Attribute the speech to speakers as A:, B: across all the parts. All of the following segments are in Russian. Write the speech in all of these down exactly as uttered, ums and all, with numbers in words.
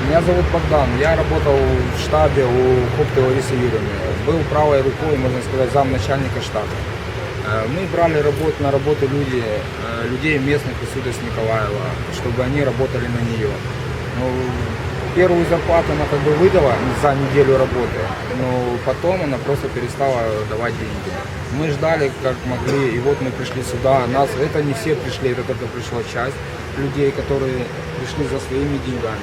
A: Меня зовут Богдан. Я работал в штабе у Копты Ларисы Юрьевны. Был правой рукой, можно сказать, замначальника штаба. Мы брали работу, на работу люди, людей местных из сюда, с Николаева, чтобы они работали на нее. Ну, первую зарплату она как бы выдала за неделю работы, но потом она просто перестала давать деньги. Мы ждали как могли, и вот мы пришли сюда. Нас, это не все пришли, это только пришла часть людей, которые пришли за своими деньгами.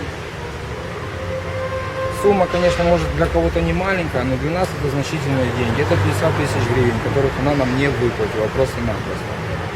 A: Сумма, конечно, может для кого-то не маленькая, но для нас это значительные деньги. Это пятьдесят тысяч гривен, которых она нам не выплатила, просто-напросто.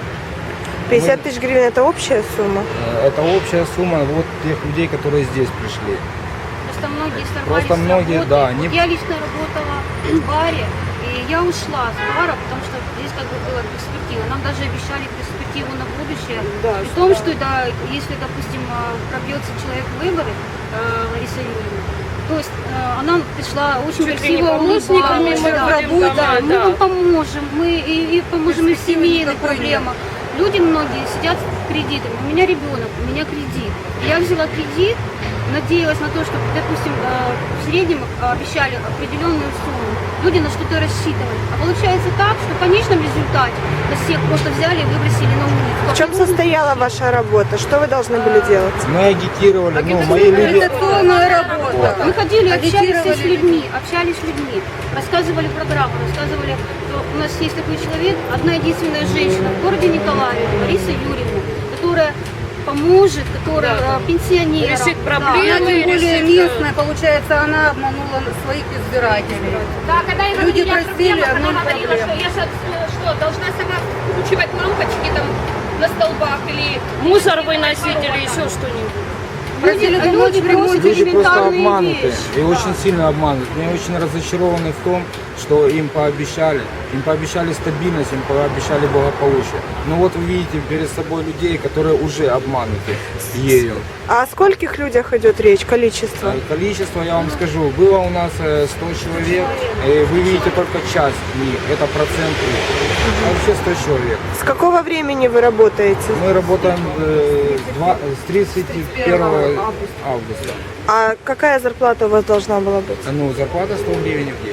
B: пятьдесят тысяч гривен – это общая сумма?
A: Это общая сумма вот тех людей, которые здесь пришли.
C: Просто многие сорвались
A: Просто
C: с
A: многие,
C: работы.
A: да.
C: Вот
A: Не...
C: Я лично работала в баре, и я ушла с бара, потому что здесь как бы была перспектива. Нам даже обещали перспективу на будущее.
B: Да,
C: При том, что да, если, допустим, пробьется человек в выборы, Лариса Юрьевна, то есть э, она пришла очень
D: Чуть
C: красиво
D: помощниками,
C: улыбалась,
D: мы
C: да,
D: работаем,
C: да,
D: да.
C: мы вам поможем, мы и, и поможем и в семейных проблемах. Люди многие сидят с кредитами. У меня ребенок, у меня кредит. Я взяла кредит, надеялась на то, что, допустим, э, в среднем обещали определенную сумму. Люди на что-то рассчитывали. А получается так, что в конечном результате нас всех просто взяли и выбросили на улицу.
B: В чем состояла ваша работа? Что вы должны были делать?
A: Мы агитировали, ну, мои люди...
C: работа. Мы ходили, общались с людьми, общались с людьми, рассказывали программу, рассказывали, что у нас есть такой человек, одна единственная женщина в городе Николаеве, Лариса Юрьевна, которая поможет, которая да. пенсионерам.
D: Решит проблемы.
E: Да, тем более местная, получается, она обманула своих избирателей.
F: Да, когда я
E: Люди
F: говорила
E: просили,
F: проблемах,
E: а
F: она
E: ноль
F: говорила,
E: проблем.
F: что я же что, должна сама вкручивать лампочки там на столбах или
D: Мусор выносить или еще что-нибудь.
C: Люди,
E: Просили
C: люди просят
A: Люди просто
C: элементарные
A: обмануты
C: вещи.
A: и очень сильно обмануты. Они очень разочарованы в том, что им пообещали. Им пообещали стабильность, им пообещали благополучие. Но вот вы видите перед собой людей, которые уже обмануты ею.
B: А о скольких людях идет речь, количество?
A: Количество, я вам скажу, было у нас сто человек, и вы видите только часть них, это процент их. А вообще сто человек.
B: С какого времени вы работаете?
A: Мы работаем э, два- с тридцать первого августа.
B: А какая зарплата у вас должна была быть?
A: Ну, зарплата сто гривен в день.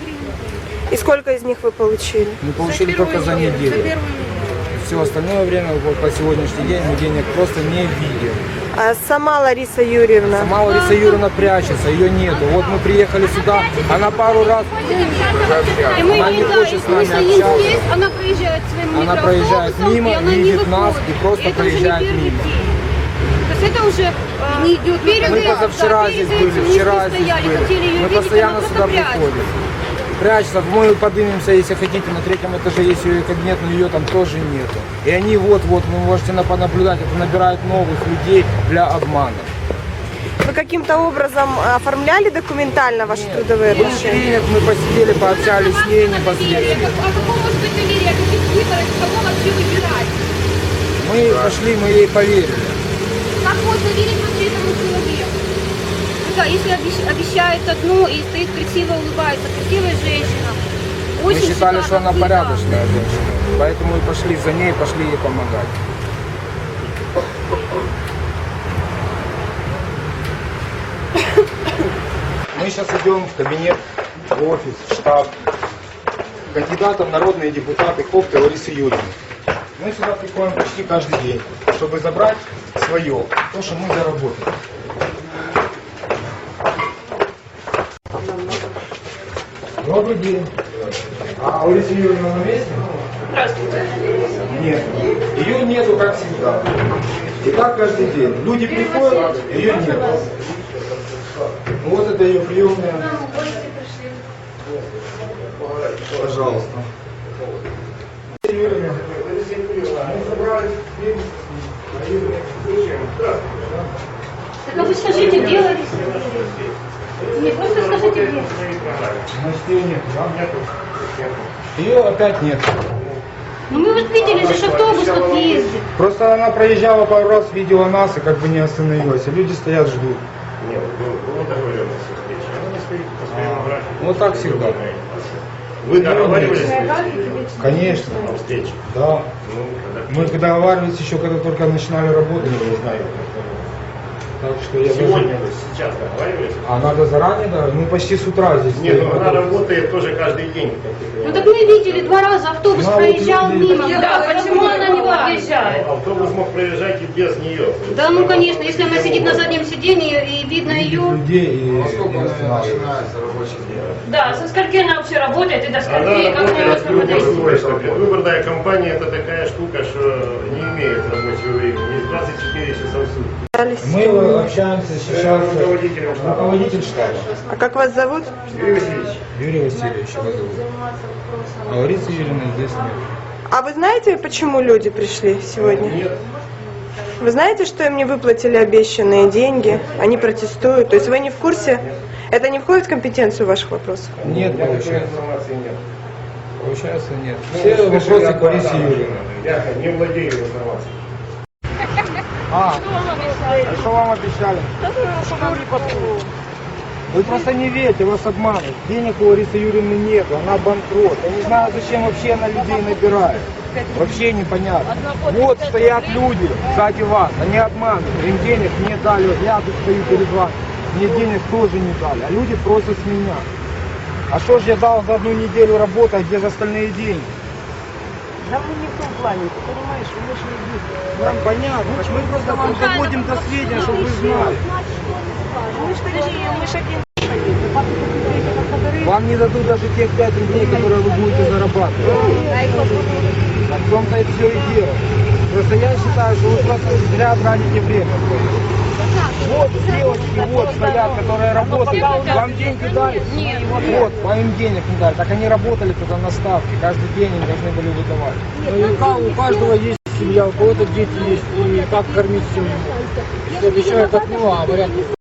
B: И сколько из них вы получили?
A: Мы получили только за неделю. Все остальное время, вот по сегодняшний день, мы денег просто не видим.
B: А сама Лариса Юрьевна?
A: Сама Лариса Юрьевна прячется, ее нету. Вот мы приехали сюда, она пару раз
C: И мы
A: она не
C: да,
A: хочет с нами
C: если есть
A: общаться.
C: здесь, она проезжает своим
A: Она проезжает
C: микроавтобусом,
A: мимо,
C: и она не
A: видит нас
C: выходит.
A: и просто
C: это уже не
A: проезжает
C: первый
A: мимо.
C: день. То есть это уже э,
E: Не идет
C: перед
A: Мы
C: этим,
A: позавчера
C: да,
A: здесь
C: перед
A: были,
C: этим мы
A: вчера
C: здесь
A: здесь
C: стояли,
A: были.
C: хотели ее
A: Мы
C: видеть,
A: постоянно
C: она
A: сюда
C: просто прячется.
A: приходим. Прячется, мы поднимемся, если хотите, на третьем этаже есть ее кабинет, но ее там тоже нету. И они вот-вот, вы можете понаблюдать, это набирают новых людей для обмана.
B: Вы каким-то образом оформляли документально ваши трудовые
A: Был
B: отношения?
A: тренинг, мы посидели, пообщались с ней непосредственно.
F: А какого может быть доверие, каких выборов, кого вообще выбирать?
A: Мы пошли, мы ей поверили.
F: Как можно верить вообще этому человеку?
C: Да, если обещ- обещает одну и стоит красиво, улыбается, красивая женщина.
A: Мы
C: Очень
A: считали, что она
C: шикарно, да.
A: порядочная женщина. Поэтому и пошли за ней, пошли ей помогать. Мы сейчас идем в кабинет, в офис, в штаб кандидатов в народные депутаты Копты Ларисы Юрьевны. Мы сюда приходим почти каждый день, чтобы забрать свое, то, что мы заработали. Добрый день. А Лариса Юрьевна на месте?
D: Здравствуйте.
A: Нет. Ее нету, как всегда. И так каждый день. Люди приходят, ее нет. Вот это ее приемная. Пожалуйста. Юрьевна, мы собрались.
C: Так а вы скажите, где Лариса? Нет, просто скажите, где.
A: Значит, ее нет. Ее опять нет.
C: Ну мы вот видели, же автобус вот ездит.
A: Просто она проезжала пару раз, видела нас и как бы не остановилась. А люди стоят, ждут.
G: Нет, была договоренность о встрече. Она не стоит по своему графику.
A: Вот так всегда.
G: Вы договаривались
A: Конечно.
G: о встрече?
A: Да.
G: Ну, когда...
A: Мы когда договаривались еще, когда только начинали работать.
G: Не знаю.
A: Так что я
G: Сегодня
A: даже-
G: вы сейчас договариваетесь?
A: А надо заранее, да? Ну почти с утра здесь.
G: Нет,
A: стоит.
G: ну она работает тоже каждый день. как ты
C: Ну так
G: понимаешь.
C: мы видели два раза, автобус
A: Ну, а вот
C: проезжал
A: люди-
C: мимо.
F: Да,
C: Да,
F: почему она не выезжает?
G: Автобус мог проезжать и без нее.
C: Да, ну конечно, если она сидит на заднем сиденье и видно
A: Видит
C: ее.
A: людей и
H: Во сколько
A: не
H: она
A: останавливается.
H: начинается рабочий день?
D: Да, со скольки она вообще работает и до
G: Она
D: скольки, как она
G: работает
D: может подойти?
G: предвыборная. Предвыборная кампания это такая штука, что не имеет рабочего времени. двадцать четыре часа в сутки.
A: Мы общаемся сейчас с
G: Руководителем штаба.
A: руководитель штаба.
B: А как вас зовут?
G: Юрий Васильевич.
A: Юрий Васильевич его зовут. А Ларисы Юрьевны здесь нет.
B: А вы знаете, почему люди пришли сегодня?
G: Нет.
B: Вы знаете, что им не выплатили обещанные деньги? Они протестуют. То есть вы не в курсе? Это не входит в компетенцию ваших вопросов?
A: Нет,
G: У меня такой
A: получается.
G: информации нет.
A: Получается нет.
G: Ну,
A: Все
G: слышали
A: вопросы
G: от
A: к Ларисе
G: Богдана.
A: Юрьевне.
G: Я не владею информацией.
A: А, а что вам обещали? Вы просто не верьте, вас обманывают. Денег у Ларисы Юрьевны нет, она банкрот. Я не знаю, зачем вообще она людей набирает. Вообще непонятно. Вот стоят люди сзади вас, они обманывают. Им денег не дали, я тут стою перед вами. Мне денег тоже не дали, а люди просят с меня. А что ж я дал за одну неделю работы, а где же остальные деньги?
B: Да мы не в том плане, ты понимаешь, мы же не
A: Нам понятно, мы просто вам доводим до сведения, чтобы вы знали.
B: Мы ж такие, мы ж один.
A: Вам не дадут даже тех пять рублей, которые вы будете зарабатывать. А в том-то и все и дело. Просто я считаю, что вы просто зря тратите время. Вот девочки, вот стоят, которые работают. Вам деньги дали? Нет. Вот, вам им денег не дали. Так они работали тогда на ставке. Каждый день им должны были выдавать.
I: Ну, и ка- у каждого есть семья, у кого-то дети есть, и как кормить семью. Все обещают одно, а говорят